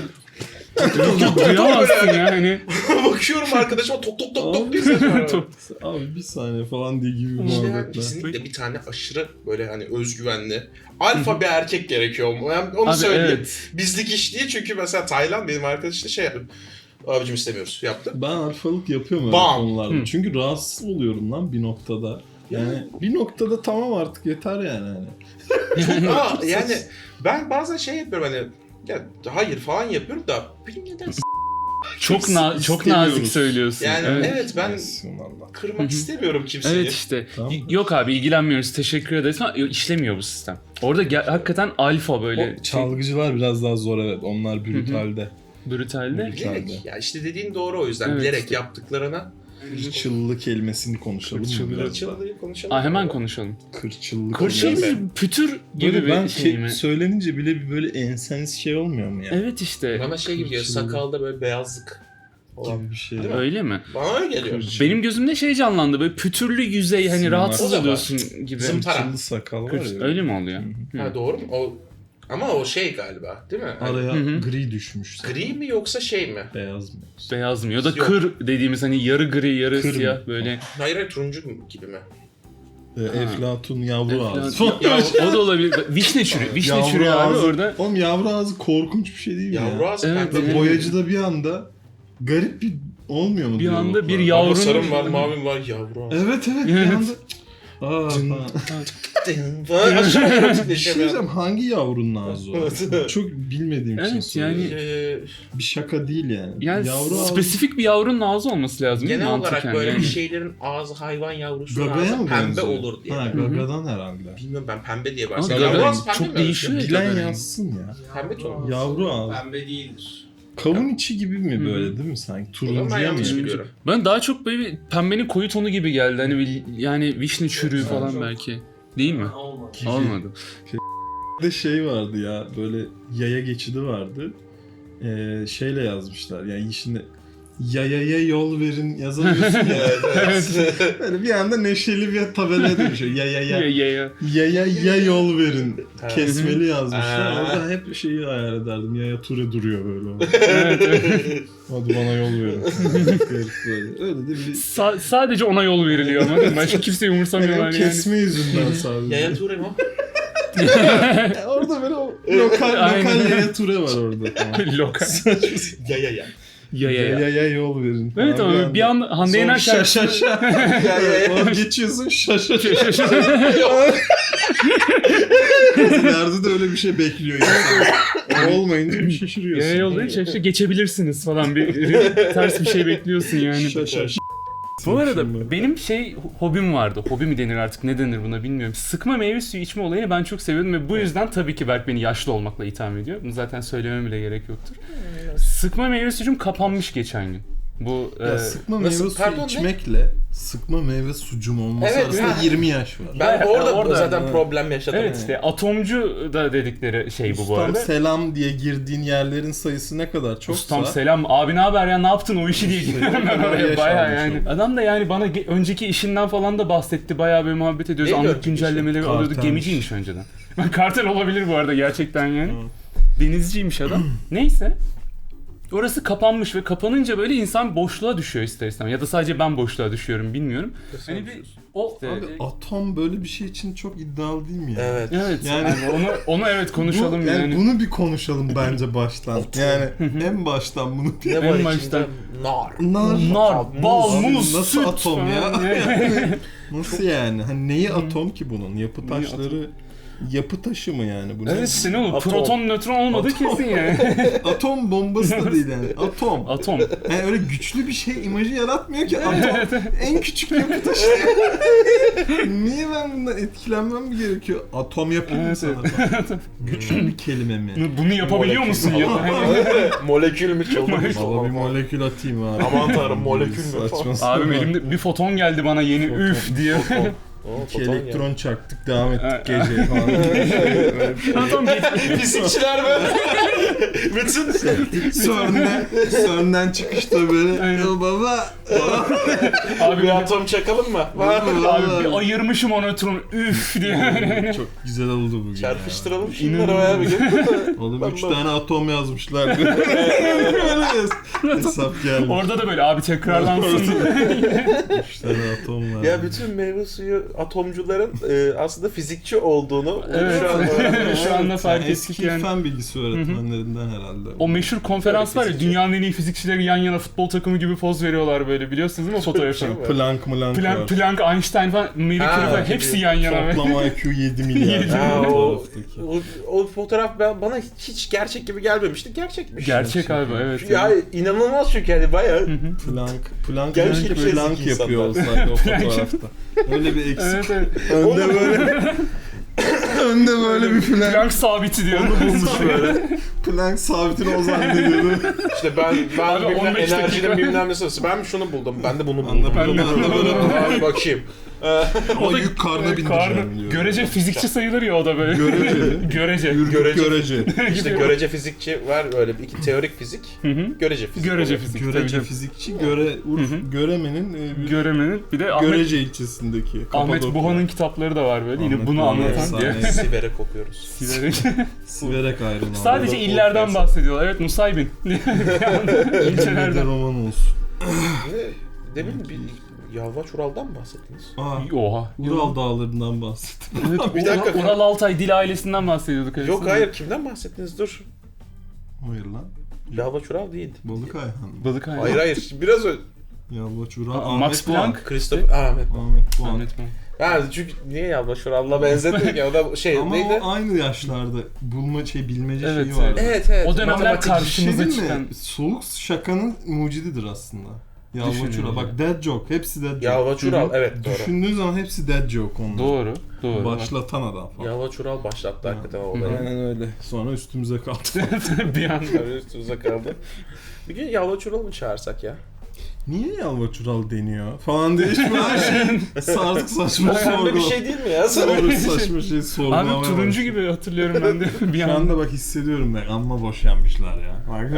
Speaker 3: Duyamazsın yani.
Speaker 1: Bakıyorum arkadaşıma tok tok tok tok diye ses var.
Speaker 2: Abi bir saniye falan diye gibi
Speaker 1: İşte yani
Speaker 2: muhabbetler.
Speaker 1: kesinlikle bir tane aşırı böyle hani özgüvenli alfa bir erkek gerekiyor. Yani onu
Speaker 3: Abi
Speaker 1: söyleyeyim.
Speaker 3: evet.
Speaker 1: Bizlik iş değil çünkü mesela Taylan benim arkadaş işte şey yapıyor. Abicim istemiyoruz yaptı.
Speaker 2: Ben alfalık yapıyorum öyle
Speaker 1: Bam.
Speaker 2: konularda.
Speaker 3: Hı.
Speaker 2: Çünkü rahatsız oluyorum lan bir noktada. Yani bir noktada tamam artık yeter yani. Hani.
Speaker 1: Aa, yani ben bazen şey yapıyorum hani ya hayır falan yapıyorum da bilmiyorum neden
Speaker 3: Çok çok nazik söylüyorsun.
Speaker 1: yani evet, ben
Speaker 2: Eyvallah.
Speaker 1: kırmak istemiyorum kimseyi.
Speaker 3: Evet işte.
Speaker 2: Tamam.
Speaker 3: Yok abi ilgilenmiyoruz, teşekkür ederiz ama işlemiyor bu sistem. Orada hakikaten alfa böyle
Speaker 2: O çalgıcılar biraz daha zor, evet. Onlar brutalde.
Speaker 3: brutalde.
Speaker 1: Bilerek ya işte dediğin doğru o yüzden
Speaker 3: Evet.
Speaker 1: bilerek yaptıklarına
Speaker 2: Kırçıllı kelimesini konuşalım mı
Speaker 3: Kırçıllı.
Speaker 2: biraz daha?
Speaker 1: Çıldığı konuşalım.
Speaker 3: Aa, hemen konuşalım.
Speaker 2: Kırçıllı
Speaker 3: Kırçıl
Speaker 2: kelimesi.
Speaker 3: mı? Pütür gibi
Speaker 2: Böyle ben
Speaker 3: bir şey mi?
Speaker 2: söylenince bile bir böyle enseniz şey olmuyor mu ya?
Speaker 3: Evet işte.
Speaker 1: Bana şey gibi geliyor
Speaker 2: Kırçıllı.
Speaker 1: sakalda böyle beyazlık olan.
Speaker 2: Gibi bir şey.
Speaker 1: Değil mi?
Speaker 3: Öyle mi?
Speaker 1: Bana öyle geliyor.
Speaker 2: Kırçıllı.
Speaker 3: Benim gözümde şey canlandı, böyle pütürlü yüzey, hani
Speaker 2: Simar.
Speaker 3: rahatsız
Speaker 1: O da var.
Speaker 3: oluyorsun gibi.
Speaker 1: Zımpara.
Speaker 2: Kırçıllı sakal var ya.
Speaker 3: Öyle mi oluyor? Hı.
Speaker 1: Ha doğru mu? O ama o şey galiba değil mi? Hani
Speaker 2: Araya
Speaker 3: Hı hı.
Speaker 2: gri düşmüş.
Speaker 1: gri mi yoksa şey mi?
Speaker 2: Beyaz mı?
Speaker 3: Beyaz mı? Ya da
Speaker 1: Yok.
Speaker 3: kır dediğimiz hani yarı gri yarı
Speaker 2: Kır mı?
Speaker 3: siyah böyle.
Speaker 1: Hayır hayır turuncu gibi mi?
Speaker 2: Eflatun yavru ağzı.
Speaker 3: Ya, o da olabilir. Vişne çürüyor. Vişne
Speaker 2: Yavru
Speaker 3: çürüyor abi
Speaker 2: ağzı.
Speaker 3: orada.
Speaker 2: Oğlum yavru ağzı korkunç bir şey değil mi
Speaker 1: Yavru
Speaker 2: ya?
Speaker 1: ağzı
Speaker 3: Evet,
Speaker 1: pembe.
Speaker 3: evet.
Speaker 2: Boyacıda bir anda garip bir olmuyor mu?
Speaker 3: Bir anda
Speaker 2: diyaloglar?
Speaker 3: bir
Speaker 1: Ama
Speaker 3: yavrunun...
Speaker 1: sarım var mavim var yavru ağzı.
Speaker 2: Evet bir
Speaker 3: Evet.
Speaker 2: anda. Aa, falan.
Speaker 1: Falan aşağı
Speaker 2: Bir
Speaker 1: erotikleşiyor
Speaker 2: şey
Speaker 1: bir
Speaker 2: diyeceğim,
Speaker 1: anda.
Speaker 2: hangi yavrunun ağzı o?
Speaker 1: Evet.
Speaker 2: Çok bilmediğim için
Speaker 3: Evet,
Speaker 2: soruyorum.
Speaker 3: yani-
Speaker 2: Bir şaka değil yani.
Speaker 3: Yani
Speaker 2: yavru ağzı
Speaker 3: spesifik bir yavrunun ağzı olması lazım. değil mi?
Speaker 1: Genel olarak
Speaker 3: Mantıken
Speaker 1: böyle
Speaker 3: yani.
Speaker 1: bir şeylerin ağzı hayvan yavrusunun
Speaker 2: gagaya
Speaker 1: ağzı
Speaker 2: mı
Speaker 1: pembe
Speaker 2: benziyor?
Speaker 1: olur diye.
Speaker 2: Ha, gagadan herhalde.
Speaker 1: Bilmiyorum ben pembe diye
Speaker 3: Ama
Speaker 1: varsayıyorum.
Speaker 3: gaga
Speaker 1: Yavru ağzı pembe
Speaker 3: çok
Speaker 1: mi?
Speaker 3: değişiyor.
Speaker 2: Bilen
Speaker 3: gagadan.
Speaker 2: yazsın ya.
Speaker 1: Pembe tonu.
Speaker 2: Yavru ağzı.
Speaker 6: Pembe değildir.
Speaker 2: Kavun içi gibi mi böyle değil mi sanki?
Speaker 1: Ben
Speaker 2: Turuncuya mı?
Speaker 1: yanlış
Speaker 2: yani?
Speaker 1: biliyorum.
Speaker 3: Ben daha çok böyle bir pembenin koyu tonu gibi geldi. Hani yani vişne çürüğü falan belki. Değil mi? Olmadı.
Speaker 2: Bir de şey vardı ya böyle yaya geçidi vardı. Şeyle yazmışlar yani şimdi yayaya yol verin yazamıyorsun ya. Böyle bir anda neşeli bir tabelaya dönüşüyor. Yaya yol verin. Kesmeli yazmışlar.
Speaker 1: Ha.
Speaker 2: Orada hep şeyi hayal ederdim. Yaya Ture duruyor böyle.
Speaker 3: Evet, evet.
Speaker 2: Hadi bana yol verin. Garip böyle. Öyle de bir...
Speaker 3: Sadece ona yol veriliyor ama değil mi? Başka kimseyi umursamıyorlar
Speaker 2: Yani
Speaker 3: yani.
Speaker 2: kesme yüzünden sadece.
Speaker 1: Yaya Ture mu?
Speaker 2: Orada böyle o lokal
Speaker 3: Aynen.
Speaker 2: Yaya Ture var orada. Tamam.
Speaker 3: Lokal.
Speaker 1: Yaya.
Speaker 2: Yaya yol verin.
Speaker 3: Evet
Speaker 2: Abi
Speaker 3: ama bir an Hande Yener
Speaker 2: Sonra
Speaker 3: şarkısı...
Speaker 2: Oradan geçiyorsun şaşa. Nerede de öyle bir şey bekliyor insan. Olmayınca bir şaşırıyorsun.
Speaker 3: Yaya yol değil, işte geçebilirsiniz falan bir ters bir şey bekliyorsun yani.
Speaker 2: Şaşa.
Speaker 3: Bu arada benim hobim vardı. Hobi mi denir artık ne denir buna bilmiyorum. Sıkma meyve suyu içme olayını ben çok seviyordum ve bu yüzden tabii ki Berk beni yaşlı olmakla itham ediyor. Bunu zaten söylemem bile gerek yoktur. Sıkma meyve suyum kapanmış geçen gün. Bu
Speaker 2: Ya sıkma
Speaker 1: nasıl?
Speaker 2: meyve suyu
Speaker 1: Pardon, ne?
Speaker 2: içmekle sıkma meyve sucum olması
Speaker 1: Evet,
Speaker 2: arasında
Speaker 1: ha.
Speaker 2: 20 yaş var.
Speaker 1: Ben orada
Speaker 3: Orada-
Speaker 1: zaten
Speaker 2: Evet.
Speaker 1: problem yaşadım.
Speaker 3: evet işte atomcu da dedikleri şey bu
Speaker 2: Ustam
Speaker 3: arada.
Speaker 2: selam diye girdiğin yerlerin sayısı ne kadar çoksa
Speaker 3: Ustam selam abi ne haber ya ne yaptın o işi diye gidiyorum ben oraya
Speaker 2: Yaş
Speaker 3: bayağı
Speaker 2: almış
Speaker 3: yani.
Speaker 2: oldu.
Speaker 3: Adam da yani bana önceki işinden falan da bahsetti bayağı böyle muhabbet ediyoruz.
Speaker 1: Neydi
Speaker 3: Anlık
Speaker 1: önceki
Speaker 3: güncellemeleri
Speaker 2: işi?
Speaker 3: alıyordu.
Speaker 2: Kartelmiş.
Speaker 3: Gemiciymiş önceden. Kartel olabilir bu arada gerçekten yani. Denizciymiş adam. Neyse. Orası kapanmış ve kapanınca böyle insan boşluğa düşüyor ister istemez. Ya da sadece ben boşluğa düşüyorum bilmiyorum. Hani bir o
Speaker 2: Abi atom böyle bir şey için çok iddialı değil mi ya?
Speaker 1: Evet.
Speaker 3: evet
Speaker 2: Yani-
Speaker 3: yani onu evet konuşalım
Speaker 2: Bu,
Speaker 3: yani.
Speaker 2: Bunu bir konuşalım bence baştan. Yani en baştan bunu bir...
Speaker 1: Ne var
Speaker 3: En
Speaker 1: içinde?
Speaker 3: baştan.
Speaker 1: Nar.
Speaker 3: Nar, bal,
Speaker 2: Abi
Speaker 3: muz,
Speaker 2: nasıl
Speaker 3: süt
Speaker 2: atom
Speaker 3: falan.
Speaker 2: ya? Nasıl yani? Hani neyi atom ki bunun? Yapı taşları yapı taşı mı yani bu?
Speaker 3: Evet işte ne olur
Speaker 1: Atom.
Speaker 3: proton nötron olmadı
Speaker 2: Atom.
Speaker 3: kesin yani.
Speaker 2: Atom bombası da değil yani. Atom.
Speaker 3: Atom.
Speaker 2: Yani öyle güçlü bir şey imajı yaratmıyor ki atom. En küçük yapı taşı. Niye ben bundan etkilenmem mi gerekiyor? Atom yapayım mı
Speaker 3: Evet,
Speaker 2: sana? Güçlü bir kelime mi?
Speaker 3: Bunu yapabiliyor musun ya?
Speaker 1: Molekül mü çıldırmış?
Speaker 2: Baba bir molekül atayım abi.
Speaker 1: Aman tanrım, molekül mü?
Speaker 2: Saçma sapan.
Speaker 3: Abim elimde bir foton geldi bana yeni üf diye.
Speaker 2: İki elektron çaktık devam ettik
Speaker 3: Ha.
Speaker 2: gece falan.
Speaker 3: Atom
Speaker 1: Fizikçiler böyle. Bütün
Speaker 2: CERN'den çıkışta böyle
Speaker 3: Aynen.
Speaker 2: "Ya baba
Speaker 3: Abi
Speaker 1: bir atom çakalım mı?
Speaker 3: Abi bir ayırmışım o nötronu üf diye.
Speaker 2: çok güzel oldu bugün
Speaker 1: Çarpıştıralım
Speaker 2: ya.
Speaker 1: şunları bayağı bir gün.
Speaker 2: Oğlum
Speaker 1: Ben
Speaker 2: 3
Speaker 1: bak-
Speaker 2: tane atom yazmışlar. Hesap geldi.
Speaker 3: Orada da böyle abi tekrarlansın.
Speaker 2: 3 tane atom var.
Speaker 1: Ya bütün meyve suyu atomcuların aslında fizikçi olduğunu
Speaker 3: Evet.
Speaker 1: şu an öğrendim.
Speaker 3: Şu anda fark
Speaker 2: Yani
Speaker 3: ettik
Speaker 2: eski
Speaker 3: yani.
Speaker 2: fen bilgisi öğretmenlerinden herhalde.
Speaker 3: O meşhur konferans var ya
Speaker 1: Fizikçi.
Speaker 3: dünyanın en iyi fizikçileri yan yana futbol takımı gibi poz veriyorlar böyle biliyorsunuz değil mi o fotoğrafı?
Speaker 1: şey var.
Speaker 2: Planck var.
Speaker 3: Planck, Einstein falan, Marie
Speaker 1: Ha,
Speaker 3: Curie falan
Speaker 1: gibi.
Speaker 3: hepsi yan yana.
Speaker 2: Toplam IQ 7 milyar.
Speaker 1: Ha, o,
Speaker 2: fotoğraftaki.
Speaker 1: o fotoğraf bana hiç gerçek gibi gelmemişti. Gerçekmiş.
Speaker 3: Gerçek abi evet.
Speaker 1: Ya inanılmaz çünkü hani bayağı
Speaker 2: Planck
Speaker 1: Gerçekten şey
Speaker 2: Planck
Speaker 1: zeki
Speaker 2: yapıyor
Speaker 1: insanlar.
Speaker 2: olsaydı o fotoğrafta. Öyle bir eksik.
Speaker 3: Evet, evet.
Speaker 2: Önde böyle önde böyle bir Planck
Speaker 3: Planck sabiti diyor.
Speaker 2: onu bulmuş böyle. Planck sabitini o zannediyordu.
Speaker 1: işte ben
Speaker 3: Abi,
Speaker 1: bilmem
Speaker 3: 15 dakika.
Speaker 1: enerjinin bilmem nesi. Ben şunu buldum. Ben de bunu
Speaker 2: Ben de
Speaker 1: buldum.
Speaker 2: bunu buldum.
Speaker 1: Abi bakayım.
Speaker 2: Ama yük karnına bindireceğim diyor.
Speaker 3: Görece fizikçi sayılır ya o da böyle.
Speaker 2: Görece mi?
Speaker 3: Görece.
Speaker 2: Görece.
Speaker 1: İşte görece fizikçi var öyle bir teorik fizik.
Speaker 3: Hı hı.
Speaker 1: Görece fizik.
Speaker 3: Görece fizik.
Speaker 2: Görece
Speaker 3: tabii.
Speaker 2: fizikçi Urf Göreme'nin bir
Speaker 3: Göremenin. Bir de Ahmet,
Speaker 2: Görece ilçesindeki.
Speaker 3: Ahmet
Speaker 2: Kapadokya.
Speaker 3: Buhan'ın kitapları da var böyle. Yine
Speaker 2: Ahmet
Speaker 3: bunu
Speaker 2: Buhan
Speaker 3: anlatan diye.
Speaker 2: efsane.
Speaker 1: Sivere kokuyoruz.
Speaker 3: Siverek.
Speaker 2: Siverek ayrılma.
Speaker 3: Sadece
Speaker 1: Orada
Speaker 3: illerden
Speaker 1: korkuyorsun.
Speaker 3: bahsediyorlar. Evet Nusaybin.
Speaker 2: İlçelerden
Speaker 3: İlçelerden.
Speaker 2: roman olsun.
Speaker 1: Demin bir Yalvaç Ural'dan mı bahsettiniz?
Speaker 3: Oha.
Speaker 2: Ural dağlarından bahsettim.
Speaker 3: Evet,
Speaker 1: Bir dakika.
Speaker 3: Ural Altay dil ailesinden bahsediyorduk.
Speaker 1: Yok hayır, kimden bahsettiniz? Dur.
Speaker 2: Hayır lan.
Speaker 1: Yalvaç Ural değil.
Speaker 2: Balık Ayhan.
Speaker 3: Balık Ayhan.
Speaker 1: Hayır biraz öyle.
Speaker 2: Yalvaç Ural.
Speaker 3: Aa, Max Planck.
Speaker 1: Christopher Ahmet.
Speaker 2: Ahmet Buhan.
Speaker 3: Ahmet Buhan.
Speaker 1: Ha çünkü niye Yalvaç Ural'la benzettik ya, o da şey
Speaker 2: Ama
Speaker 1: neydi?
Speaker 2: o aynı yaşlarda bilmece
Speaker 3: Evet,
Speaker 2: şeyi vardı.
Speaker 1: Evet evet.
Speaker 3: O dönemler
Speaker 1: Matematik.
Speaker 2: Bir şey
Speaker 3: karşımıza
Speaker 2: değil mi?
Speaker 3: çıkan.
Speaker 2: Soğuk şakanın mucididir aslında. Yalva
Speaker 3: Düşününce.
Speaker 2: Çural. Bak dead joke. Hepsi dead joke.
Speaker 1: Yalva Çural, evet doğru.
Speaker 2: Düşündüğün zaman hepsi dead joke onlar.
Speaker 3: Doğru. Doğru.
Speaker 2: Başlatan adam falan.
Speaker 1: Yalva Çural başlattı hakikaten o olayı.
Speaker 2: Aynen öyle. Sonra üstümüze kaldı.
Speaker 3: Bir anda.
Speaker 1: Tabii üstümüze kaldı. Bir gün Yalva Çural'ı mı çağırsak ya?
Speaker 2: Niye Yalva Çural deniyor falan diye hiç böyle şey sardık saçma
Speaker 1: Pembe bir şey değil mi ya?
Speaker 2: Doğru saçma şey sorgulamaya
Speaker 3: Abi turuncu
Speaker 2: başladım.
Speaker 3: gibi hatırlıyorum ben de bir
Speaker 2: Şu
Speaker 3: anda.
Speaker 2: anda bak hissediyorum ben. Amma boşanmışlar ya. Bak,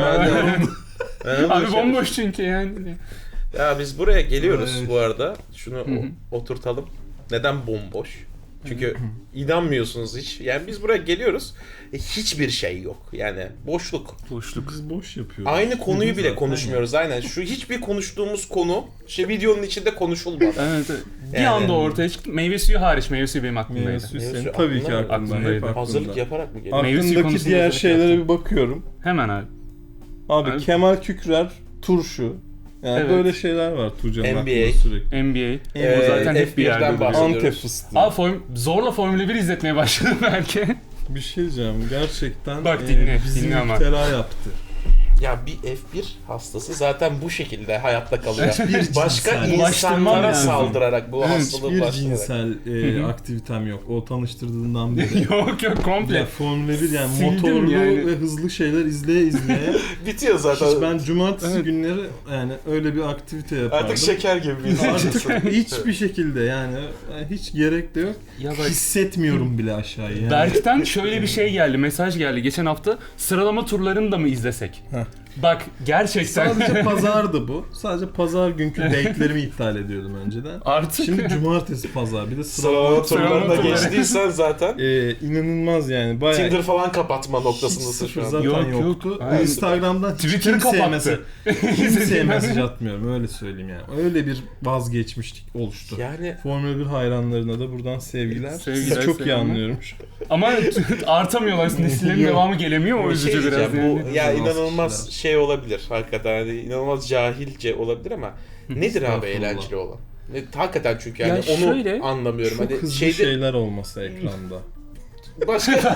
Speaker 3: Abi bomboş çünkü yani.
Speaker 1: Ya biz buraya geliyoruz
Speaker 2: Evet.
Speaker 1: bu arada. Şunu oturtalım. Neden bomboş? Çünkü inanmıyorsunuz hiç. Yani biz buraya geliyoruz. Hiçbir şey yok. Yani boşluk.
Speaker 3: Boşluk.
Speaker 2: Biz boş yapıyoruz.
Speaker 1: Aynı konuyu bile
Speaker 2: Zaten
Speaker 1: konuşmuyoruz. Aynen. Şu hiçbir konuştuğumuz konu videonun içinde konuşulmadı.
Speaker 3: Evet, evet. Bir
Speaker 1: Yani-
Speaker 3: anda ortaya çıktı. Meyve suyu hariç. Meyve suyu benim aklımdaydı.
Speaker 2: Meyve suyu
Speaker 1: Meyve
Speaker 2: senin
Speaker 1: suyu
Speaker 2: tabii ki
Speaker 1: aklında mı?
Speaker 2: aklında. Hep
Speaker 3: Aklımdaydı.
Speaker 2: aklında.
Speaker 1: Hazırlık yaparak mı geliyor?
Speaker 3: Meyve suyu
Speaker 2: Aklımdaki
Speaker 3: konusunda
Speaker 2: diğer
Speaker 3: hazırlık
Speaker 2: şeylere
Speaker 3: yaptım.
Speaker 2: bir bakıyorum.
Speaker 3: Hemen abi.
Speaker 2: Abi
Speaker 3: Abi-
Speaker 2: Kemal Kükrer, turşu. Yani
Speaker 3: Evet.
Speaker 2: böyle şeyler var Tuğcan'ın
Speaker 1: NBA.
Speaker 2: aklında sürekli.
Speaker 3: NBA. O zaten hep bir
Speaker 1: F1'den
Speaker 3: yerde.
Speaker 1: bahsediyoruz.
Speaker 2: Antep fıstığı.
Speaker 3: Abi zorla Formula 1 izletmeye başladım belki.
Speaker 2: Bir şey diyeceğim. Gerçekten
Speaker 3: Bak dinle,
Speaker 2: bizi
Speaker 3: dinle ama.
Speaker 2: müptela yaptı.
Speaker 1: Ya bir F1 hastası zaten bu şekilde hayatta kalıyor.
Speaker 2: Hiçbir
Speaker 1: Başka
Speaker 2: cinsel-
Speaker 3: Bulaştırmam
Speaker 1: insanlara
Speaker 3: lazım.
Speaker 1: saldırarak bu
Speaker 3: Evet,
Speaker 1: hastalığı
Speaker 2: Bir
Speaker 1: bulaştırarak.
Speaker 2: cinsel aktivitem yok. O tanıştırdığından beri.
Speaker 3: Yok komple.
Speaker 2: Ya Formula 1 yani
Speaker 3: Sildim
Speaker 2: motorlu
Speaker 3: yani.
Speaker 2: ve hızlı şeyler izleye
Speaker 1: Bitiyor zaten.
Speaker 2: hiç ben cumartesi
Speaker 3: Evet.
Speaker 2: günleri yani öyle bir aktivite yapardım.
Speaker 1: Artık şeker gibi bir insansın.
Speaker 2: Artık hiçbir şekilde yani hiç gerek de yok.
Speaker 3: Ya bak,
Speaker 2: Hissetmiyorum bile aşağıyı yani.
Speaker 3: Berk'ten şöyle bir şey geldi, mesaj geldi geçen hafta. Sıralama turlarını da mı izlesek?
Speaker 2: Heh.
Speaker 3: Bak gerçekten.
Speaker 2: Sadece pazardı bu. Sadece pazar günkü date'lerimi iptal ediyordum önceden.
Speaker 3: Artık.
Speaker 2: Şimdi cumartesi pazar bir de
Speaker 1: Sıralama turlarına
Speaker 3: turları.
Speaker 1: geçtiysen zaten
Speaker 2: inanılmaz yani bayağı
Speaker 1: Tinder falan kapatma
Speaker 2: hiç
Speaker 1: noktasındasın
Speaker 2: sıfır
Speaker 1: şu an.
Speaker 2: zaten
Speaker 3: Yok, yok.
Speaker 2: yoktu.
Speaker 3: Aynen.
Speaker 2: Instagram'dan hiç
Speaker 3: Twitter'ı
Speaker 2: kimseye
Speaker 3: kapattı.
Speaker 2: kimseye mesaj atmıyorum öyle söyleyeyim yani. Öyle bir vazgeçmişlik oluştu.
Speaker 1: Yani
Speaker 2: Formula 1 hayranlarına da buradan sevgiler.
Speaker 3: Sevgiler,
Speaker 2: Sizi çok iyi
Speaker 3: selamlar.
Speaker 2: anlıyorum.
Speaker 3: Ama artamıyorlar, nesillerin
Speaker 2: Yok.
Speaker 3: devamı gelemiyor, o
Speaker 1: bir
Speaker 3: üzücü
Speaker 1: şey
Speaker 3: biraz
Speaker 1: diyeceğim,
Speaker 3: yani.
Speaker 1: bu ya
Speaker 2: Biraz
Speaker 1: inanılmaz
Speaker 2: kişiler.
Speaker 1: şey olabilir hakikaten. Yani inanılmaz cahilce olabilir ama nedir abi
Speaker 2: Estağfurullah.
Speaker 1: eğlenceli olan? Hakikaten çünkü yani
Speaker 3: Ya
Speaker 1: onu
Speaker 3: şöyle,
Speaker 1: anlamıyorum.
Speaker 2: Çok
Speaker 1: Hani
Speaker 2: hızlı
Speaker 1: şeyde
Speaker 2: şeyler olması ekranda.
Speaker 1: başka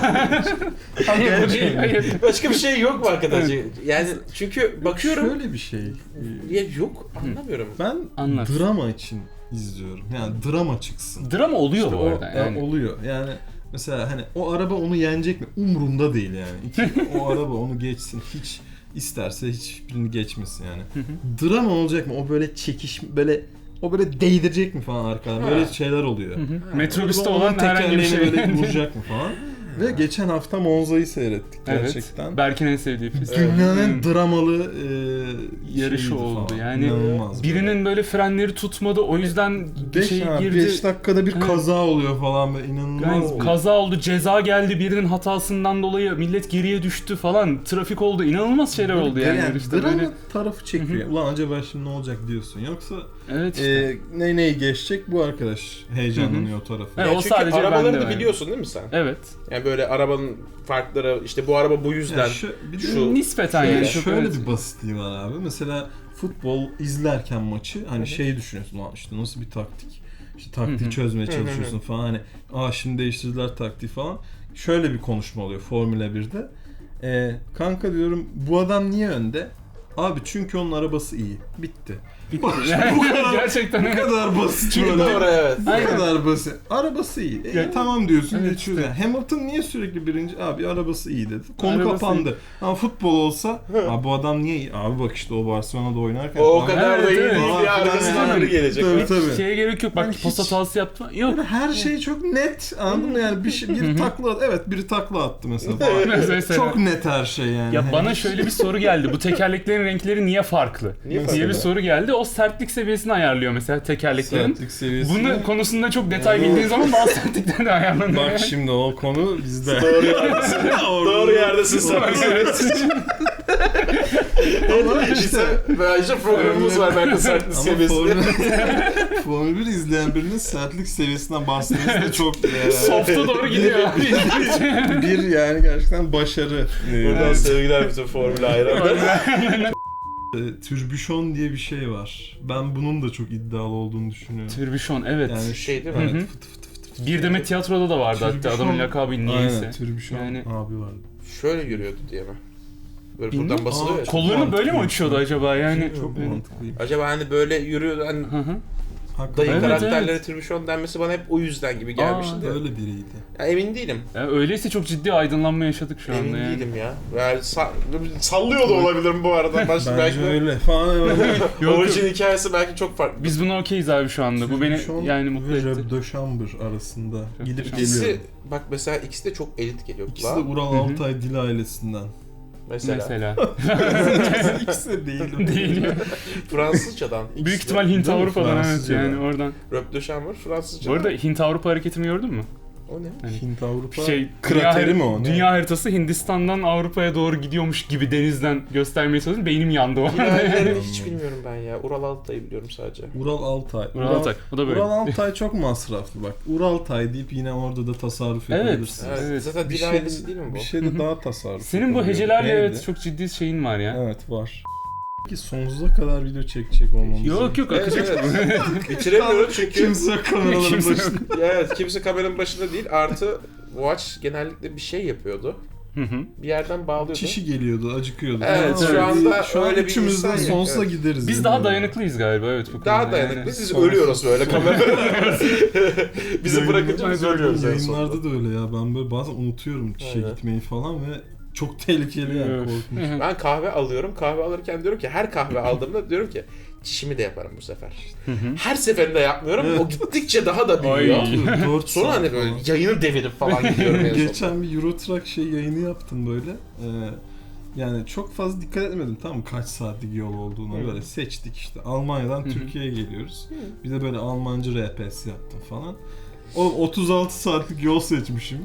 Speaker 3: Hayır.
Speaker 1: başka bir şey yok mu arkadaş? Yani çünkü bakıyorum
Speaker 2: Şöyle bir şey.
Speaker 1: ya yok anlamıyorum.
Speaker 2: Ben
Speaker 3: Anlat.
Speaker 2: drama için izliyorum. Yani drama çıksın.
Speaker 3: Drama oluyor
Speaker 2: İşte
Speaker 3: bu arada yani.
Speaker 2: oluyor. Yani mesela hani o araba onu yenecek mi? Umurumda değil yani. O araba onu geçsin. Hiç isterse hiçbirini geçmesin yani. Drama olacak mı? O böyle o böyle değdirecek mi falan arkadan? Böyle şeyler oluyor.
Speaker 3: Metrobüste
Speaker 2: Onun
Speaker 3: olan herhangi bir
Speaker 2: tekerleğini
Speaker 3: şey.
Speaker 2: böyle vuracak mı falan. Ve geçen hafta Monza'yı seyrettik
Speaker 3: Evet.
Speaker 2: gerçekten.
Speaker 3: Berk'in en sevdiği pist.
Speaker 2: Dünyanın en dramalı
Speaker 3: Yarışı
Speaker 2: şeyiydi
Speaker 3: oldu
Speaker 2: falan.
Speaker 3: yani.
Speaker 2: İnanılmaz
Speaker 3: Birinin böyle frenleri tutmadı, o yüzden bir şey girdi.
Speaker 2: 5 dakikada bir
Speaker 3: Evet.
Speaker 2: kaza oluyor falan böyle inanılmaz
Speaker 3: Yani
Speaker 2: bir.
Speaker 3: kaza oldu, ceza geldi, birinin hatasından dolayı millet geriye düştü falan, trafik oldu, inanılmaz şeyler oldu yani. yarışta
Speaker 2: drama
Speaker 3: böyle.
Speaker 2: tarafı çekiyor. Ulan acaba şimdi ne olacak diyorsun. Yoksa
Speaker 3: Evet işte.
Speaker 2: neyi geçecek bu arkadaş heyecanlanıyor o tarafı.
Speaker 3: Evet,
Speaker 1: Ya
Speaker 3: o
Speaker 1: çünkü
Speaker 3: sadece
Speaker 1: arabaları
Speaker 3: bende
Speaker 1: da
Speaker 3: var.
Speaker 1: biliyorsun değil mi sen?
Speaker 3: Evet.
Speaker 1: Yani böyle arabanın farkları işte bu araba bu yüzden
Speaker 2: Bir de
Speaker 1: şu
Speaker 3: Nispeten
Speaker 1: şöyle.
Speaker 3: yani.
Speaker 2: şöyle
Speaker 3: evet.
Speaker 2: bir basitliği var abi. Mesela futbol izlerken maçı hani şey düşünüyorsun lan işte nasıl bir taktik. İşte taktiği çözmeye çalışıyorsun falan hani şimdi değiştirdiler taktiği falan. Şöyle bir konuşma oluyor Formula 1'de. Kanka diyorum bu adam niye önde? Abi çünkü onun arabası iyi. Bitti.
Speaker 3: Bitti.
Speaker 2: Bu kadar-
Speaker 3: Gerçekten
Speaker 2: Bu
Speaker 3: evet.
Speaker 2: kadar basit
Speaker 1: Çünkü
Speaker 2: böyle.
Speaker 1: doğru evet.
Speaker 2: Bu
Speaker 3: Aynen.
Speaker 2: kadar basit. Arabası iyi.
Speaker 3: Ya-
Speaker 2: Tamam diyorsun
Speaker 3: Evet,
Speaker 2: geçiyoruz.
Speaker 3: işte.
Speaker 2: Yani. Hamilton niye sürekli birinci? Abi arabası iyi dedi. Konu
Speaker 3: Arabası
Speaker 2: kapandı. Ama futbol olsa abi bu adam niye iyi? Abi bak işte o Barcelona'da oynarken
Speaker 1: O
Speaker 2: falan.
Speaker 1: kadar da
Speaker 3: Evet,
Speaker 1: iyi
Speaker 3: evet.
Speaker 1: değil
Speaker 2: Falan
Speaker 1: ya
Speaker 2: filan
Speaker 1: arkasından
Speaker 2: yani.
Speaker 1: biri gelecek.
Speaker 2: Tabii tabii.
Speaker 3: Şeye gerek yok. Bak
Speaker 2: Yani
Speaker 3: pas
Speaker 2: hiç-
Speaker 3: hatası yaptı. Yok.
Speaker 2: Yani her şey çok net. Anladın mı? Yani biri takla attı. Evet biri takla attı mesela.
Speaker 3: Mesela.
Speaker 2: Çok net her şey yani.
Speaker 3: Ya
Speaker 2: Hani
Speaker 3: bana şöyle bir soru geldi. Bu tekerleklerin renkleri niye farklı?
Speaker 1: Niye
Speaker 3: diye
Speaker 1: farklı?
Speaker 3: bir soru geldi. O sertlik seviyesini ayarlıyor mesela tekerleklerin.
Speaker 2: sertlik seviyesi.
Speaker 3: Bunun konusunda çok detay bildiğin zaman daha sertlikten de ayarlanıyor.
Speaker 2: Bak şimdi o konu bizde.
Speaker 1: Doğru yerdesin. Doğru yerdesin sen.
Speaker 2: Ama
Speaker 1: İşte bence programımız var belki sertlik
Speaker 2: Ama
Speaker 1: seviyesinde.
Speaker 2: Formula 1 izleyen birinin sertlik seviyesinden bahsetmesi de çok
Speaker 3: Soft'a doğru gidiyor.
Speaker 2: bir yani gerçekten başarı.
Speaker 1: Buradan sevgiler bütün Formula hayranları.
Speaker 2: Türbüşon diye bir şey var. Ben bunun da çok iddialı olduğunu düşünüyorum.
Speaker 3: Türbüşon evet.
Speaker 2: Yani
Speaker 1: Şey değil mi?
Speaker 2: evet,
Speaker 3: Hı hı.
Speaker 2: fıt fıt fıt.
Speaker 3: Bir Demet tiyatroda da vardı hatta
Speaker 2: Türbüşon-
Speaker 3: adamın lakabı niyeyse.
Speaker 2: Aynen Türbüşon
Speaker 3: Yani-
Speaker 2: abi vardı.
Speaker 1: Şöyle yürüyordu diye mi? Böyle
Speaker 3: Bilmiyorum.
Speaker 1: buradan basılıyor ya.
Speaker 3: Kollarını böyle mi açıyordu acaba yani?
Speaker 2: Çok
Speaker 3: Evet.
Speaker 2: mantıklıyım.
Speaker 1: Acaba hani böyle yürüyor hani
Speaker 3: Hı hı.
Speaker 1: dayı
Speaker 3: Evet,
Speaker 1: karakterlere
Speaker 3: evet.
Speaker 1: tribüşon denmesi bana hep o yüzden gibi gelmişti de.
Speaker 2: Öyle biriydi.
Speaker 1: Ya emin değilim.
Speaker 3: Ya öyleyse çok ciddi aydınlanma yaşadık şu anda
Speaker 1: Emin
Speaker 3: yani.
Speaker 1: değilim ya. Yani sallıyor da olabilirim bu arada. Belki
Speaker 2: Bence öyle falan.
Speaker 3: Yok,
Speaker 1: orijin hikayesi belki çok farklı.
Speaker 3: Biz buna okeyiz abi şu anda. Bu beni
Speaker 2: Şu an
Speaker 3: yani mutlu
Speaker 2: ve
Speaker 3: etti.
Speaker 2: Röb de Chambre arasında gidip
Speaker 1: İkisi
Speaker 2: geliyor.
Speaker 1: bak mesela ikisi de çok elit geliyor
Speaker 2: İkisi de
Speaker 1: kulağa.
Speaker 2: Ural Altay dil ailesinden.
Speaker 1: Mesela.
Speaker 2: İkisi de değil.
Speaker 3: Değil ya.
Speaker 1: Fransızcadan.
Speaker 3: Büyük
Speaker 1: ikisi de.
Speaker 3: ihtimal Hint
Speaker 2: Değil mi?
Speaker 3: Avrupa'dan evet
Speaker 2: Fransızcadan.
Speaker 3: yani oradan.
Speaker 1: Röp de Chambre Fransızca.
Speaker 3: Bu arada Hint Avrupa hareketini gördün mü?
Speaker 1: O ne?
Speaker 2: Hint Avrupa
Speaker 3: Şey
Speaker 2: krateri mi o? Ne?
Speaker 3: Dünya haritası Hindistan'dan Avrupa'ya doğru gidiyormuş gibi denizden göstermeye çalıştım. Beynim yandı o anda.
Speaker 1: Diğerlerini hiç bilmiyorum ben ya. Ural Altay'ı biliyorum sadece.
Speaker 2: Ural Altay.
Speaker 3: Ural Altay. O da böyle.
Speaker 2: Ural Altay çok masraflı bak. Ural Altay deyip yine orada da tasarruf
Speaker 3: Evet.
Speaker 2: edebilirsiniz.
Speaker 1: Evet,
Speaker 3: Evet.
Speaker 1: zaten
Speaker 2: Bir
Speaker 1: dil
Speaker 2: şey,
Speaker 1: ailesi değil mi bu?
Speaker 2: bir şey de daha tasarruf
Speaker 3: Senin bu
Speaker 2: yapabiliyor.
Speaker 3: hecelerle
Speaker 2: Neydi?
Speaker 3: evet çok ciddi şeyin var ya.
Speaker 2: Evet var. Peki sonsuza kadar video çekecek olmamız.
Speaker 3: Yok yok
Speaker 1: Evet,
Speaker 3: akacak.
Speaker 1: evet. Bitiremiyoruz çünkü
Speaker 2: Kimse yok kameraların
Speaker 3: Kimse yok.
Speaker 2: başında.
Speaker 1: evet, kimse kameranın başında değil. Artı Watch genellikle bir şey yapıyordu.
Speaker 3: Hı hı.
Speaker 1: Bir yerden bağlıyordu.
Speaker 2: Çişi geliyordu, acıkıyordu.
Speaker 1: Evet,
Speaker 2: Ama
Speaker 1: şu anda
Speaker 2: şu an
Speaker 1: öyle bir
Speaker 2: üçümüz
Speaker 1: insan
Speaker 2: de
Speaker 1: yok,
Speaker 2: sonsuza
Speaker 1: evet.
Speaker 2: gideriz.
Speaker 3: Biz
Speaker 2: yani.
Speaker 3: daha dayanıklıyız galiba evet bu konuda.
Speaker 1: Daha
Speaker 3: yani.
Speaker 1: dayanıklı. Biz
Speaker 2: Sonra-
Speaker 1: ölüyoruz böyle kamerada. Bizi bırakınca biz ölüyoruz en sonunda.
Speaker 2: Yayınlarda da öyle ya. Ben böyle bazen unutuyorum çişe
Speaker 1: Aynen.
Speaker 2: gitmeyi falan ve çok tehlikeli yani
Speaker 3: Evet.
Speaker 2: korkunç.
Speaker 1: Ben kahve alıyorum. Kahve alırken diyorum ki her kahve aldığımda diyorum ki çişimi de yaparım bu sefer. Her seferinde yapmıyorum.
Speaker 2: Evet.
Speaker 1: O gittikçe daha da büyüyor.
Speaker 3: Ay.
Speaker 2: 4
Speaker 1: Sonra hani böyle yayını devirip falan gidiyorum en sonunda.
Speaker 2: Geçen bir Eurotrack yayını yaptım böyle. Yani çok fazla dikkat etmedim tamam mı kaç saatlik yol olduğuna böyle seçtik işte. Almanya'dan Türkiye'ye geliyoruz. Bir de böyle Almanca RPS yaptım falan. O 36 saatlik yol seçmişim.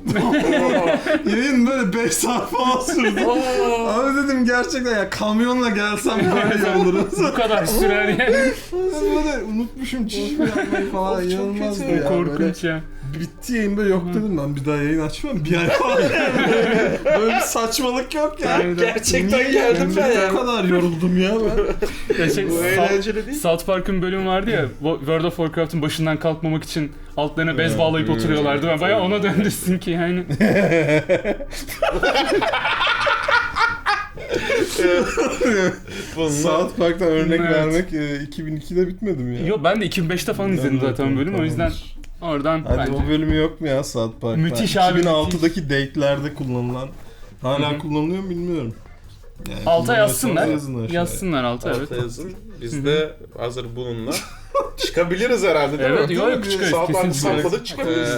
Speaker 2: Yayın böyle 5 saat falan sürdü. Abi dedim gerçekten ya kamyonla gelsem böyle iyi olurum.
Speaker 3: Bu kadar sürer yani.
Speaker 2: Ben böyle unutmuşum çişimi yapmayı falan
Speaker 1: Of, çok
Speaker 2: inanılmazdı
Speaker 1: kötü.
Speaker 2: ya. Böyle
Speaker 3: Korkunç ya.
Speaker 2: bitti yayın böyle yok dedim ben bir daha yayın açmam bir ay falan. Böyle bir saçmalık yok ya.
Speaker 3: Aynen.
Speaker 1: Gerçekten
Speaker 2: Niye
Speaker 1: geldim ben
Speaker 2: Bu
Speaker 1: yani.
Speaker 2: kadar yoruldum ya ben.
Speaker 3: Ya şey,
Speaker 1: Bu eğlenceli değil.
Speaker 3: South Park'ın bölümü vardı ya, World of Warcraft'ın başından kalkmamak için altlarına bez bağlayıp oturuyorlardı. Ben bayağı ona döndürsün ki yani.
Speaker 2: South Park'tan örnek
Speaker 3: Evet.
Speaker 2: vermek 2002'de bitmedi mi ya?
Speaker 3: Yo ben de 2005'te falan izledim
Speaker 2: Evet,
Speaker 3: zaten bölümü o yüzden
Speaker 2: tamamdır.
Speaker 3: oradan
Speaker 2: Hadi
Speaker 3: bence.
Speaker 2: o bölümü yok mu ya South Park'ta?
Speaker 3: Müthiş abi,
Speaker 2: 2006'daki date'lerde kullanılan. Hala
Speaker 3: Hı hı.
Speaker 2: kullanılıyor mu bilmiyorum. Yani
Speaker 3: Alta
Speaker 2: kullanıyorsanız
Speaker 3: yazsınlar.
Speaker 2: yazın aşağıya.
Speaker 3: Yazsınlar alta evet.
Speaker 1: Alta yazın. Biz de hazır bununla çıkabiliriz herhalde değil
Speaker 3: Evet,
Speaker 1: mi?
Speaker 3: yok, çıkarız,
Speaker 1: South Park'ı
Speaker 3: kesin çıkarız.
Speaker 1: salladık çıkabiliriz.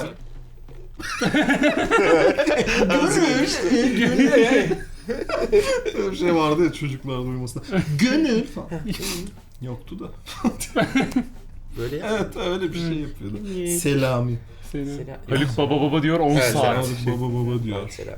Speaker 2: Öyle bir şey vardı ya çocuklar duymasında. Gönül falan. Yoktu da.
Speaker 1: Böyle ya.
Speaker 2: Evet öyle bir şey yapıyordu. Selami.
Speaker 1: Selam.
Speaker 3: Haluk baba baba diyor 10
Speaker 1: Evet,
Speaker 3: saat.
Speaker 1: selam.
Speaker 2: Baba baba diyor.
Speaker 1: Selam.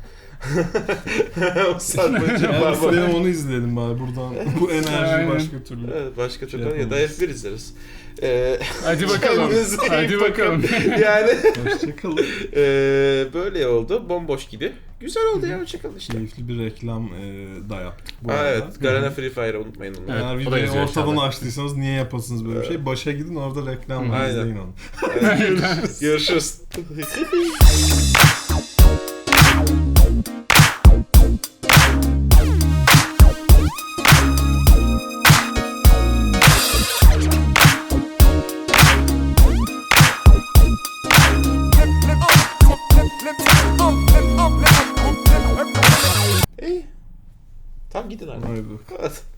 Speaker 1: O saat boyunca
Speaker 2: Yani
Speaker 1: var var.
Speaker 2: istedim onu izleyelim bari buradan. Bu enerji
Speaker 3: Aynen.
Speaker 2: başka türlü.
Speaker 1: Evet, başka türlü ya da
Speaker 2: yapamayız.
Speaker 1: F1 izleriz.
Speaker 3: Hadi bakalım.
Speaker 1: Kendinize iyi
Speaker 3: Hadi bakalım.
Speaker 1: Yani
Speaker 2: Hoşçakalın.
Speaker 1: böyle oldu. Bomboş gibi. Güzel oldu ya. Hoşçakalın işte.
Speaker 2: Keyifli bir reklam da yaptık bu
Speaker 1: Ha,
Speaker 2: arada.
Speaker 1: evet. Garena Free Fire'ı unutmayın onu.
Speaker 3: Evet.
Speaker 2: Eğer
Speaker 3: o da
Speaker 2: videoyu
Speaker 3: yazıyor
Speaker 2: ortadan
Speaker 3: aşağıda.
Speaker 2: açtıysanız niye yapasınız böyle bir şey? Başa gidin orada reklam var
Speaker 1: Aynen.
Speaker 2: izleyin onu.
Speaker 1: Görüşürüz. İyi. Tamam gidin artık.
Speaker 2: Haydi.
Speaker 1: Evet.